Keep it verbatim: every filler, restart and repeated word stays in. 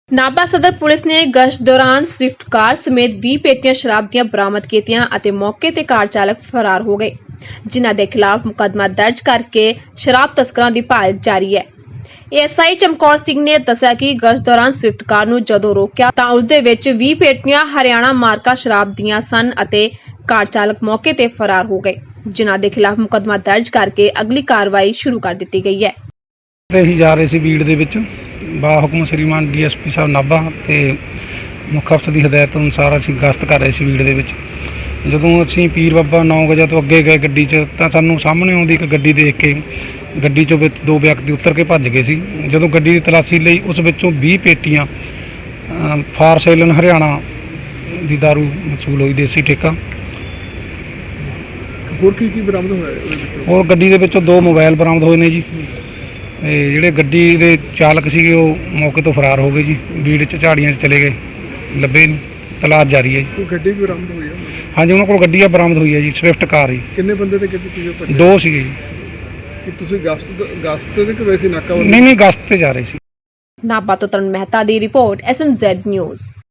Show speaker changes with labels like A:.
A: नाभा सदर पुलिस ने गश्त दौरान स्विफ्ट कार समेत बीस पेटियां शराब ਦੀਆਂ बरामद ਕੀਤੀਆਂ ਅਤੇ मौके ਤੇ ਕਾਰ ਚਾਲਕ फरार हो गए, जिन्हां ਦੇ खिलाफ मुकदमा दर्ज करके शराब तस्करां ਦੀ ਭਾਲ जारी है। एएसआई चमकौर सिंह ने दस्सिਆ कि गश्त दौरान स्विफ्ट कार ਨੂੰ ਜਦੋਂ ਰੋਕਿਆ ਤਾਂ ਉਸ ਦੇ ਵਿੱਚ बीस पेटियां हरियाणा मार्का शराब ਦੀਆਂ ਸਨ ਅਤੇ ਕਾਰ ਚਾਲਕ मौके ਤੇ फरार हो गए, जिन्हां ਦੇ खिलाफ मुकदमा दर्ज करके अगली कार्रवाई शुरू कर दी गई है।
B: ਅਸੀਂ ਜਾ ਰਹੇ ਸੀ ਬੀੜ ਦੇ ਵਿੱਚ ਬਾ ਹੁਕਮ ਸ਼੍ਰੀਮਾਨ ਡੀਐਸਪੀ ਸਾਹਿਬ ਨਾਭਾ ਤੇ ਮੁੱਖ ਅਫਸਰ ਦੀ ਹਦਾਇਤ ਅਨੁਸਾਰ ਅਸੀਂ ਗਸ਼ਤ ਕਰ ਰਹੇ ਸੀ ਬੀੜ ਦੇ ਵਿੱਚ। ਜਦੋਂ ਅਸੀਂ ਪੀਰ ਬਾਬਾ ਨੌ ਵਜੇ ਤੋਂ ਅੱਗੇ ਗਏ ਗੱਡੀ 'ਚ ਤਾਂ ਸਾਨੂੰ ਸਾਹਮਣੇ ਆਉਂਦੀ ਇੱਕ ਗੱਡੀ ਦੇਖ ਕੇ ਗੱਡੀ 'ਚੋਂ ਵਿੱਚ ਦੋ ਵਿਅਕਤੀ ਉਤਰ ਕੇ ਭੱਜ ਗਏ ਸੀ। ਜਦੋਂ ਗੱਡੀ ਦੀ ਤਲਾਸ਼ੀ ਲਈ ਉਸ ਵਿੱਚੋਂ ਵੀਹ ਪੇਟੀਆਂ ਫਾਰ ਸੇਲਨ ਹਰਿਆਣਾ ਦੀ ਦਾਰੂ ਮਸੂਲ ਹੋਈ ਦੇਸੀ ਠੇਕਾ।
C: ਹੋਰ ਕੀ ਕੀ ਬਰਾਮਦ ਹੋਇਆ ਉਹਦੇ ਵਿੱਚੋਂ?
B: ਹੋਰ ਗੱਡੀ ਦੇ ਵਿੱਚੋਂ ਦੋ ਮੋਬਾਈਲ ਬਰਾਮਦ ਹੋਏ ਨੇ ਜੀ। ਤੇ ਜਿਹੜੇ ਗੱਡੀ ਦੇ ਚਾਲਕ ਸੀਗੇ ਉਹ ਮੌਕੇ ਤੋਂ ਫਰਾਰ ਹੋ ਗਏ ਜੀ, ਭੀੜ 'ਚ ਝਾੜੀਆਂ 'ਚ ਚਲੇ ਗਏ, ਲੱਭੇ ਨਹੀਂ। ਤਲਾਸ਼ ਜਾਰੀ ਹੈ ਜੀ।
C: ਕੋਈ ਗੱਡੀ ਵੀ ਬਰਾਮਦ ਹੋਈ ਹੈ?
B: ਹਾਂਜੀ, ਉਹਨਾਂ ਕੋਲ ਗੱਡੀ ਆ ਬਰਾਮਦ ਹੋਈ ਹੈ ਜੀ, ਸਵਿਫਟ ਕਾਰ ਜੀ।
C: ਕਿੰਨੇ ਬੰਦੇ ਤੇ ਕਿੱਥੇ ਕਿਵੇਂ ਭੱਜੇ?
B: ਦੋ ਸੀਗੇ ਜੀ।
C: ਕਿ ਤੁਸੀਂ ਗਸ਼ਤ ਗਸ਼ਤ ਤੇ ਕਿ ਵੈਸੇ ਨਾਕਾਬੰਦੀ?
B: ਨਹੀਂ ਨਹੀਂ ਗਸ਼ਤ ਤੇ ਜਾ ਰਹੇ ਸੀ।
A: नाभा तो तरुण मेहता की report S M Z news.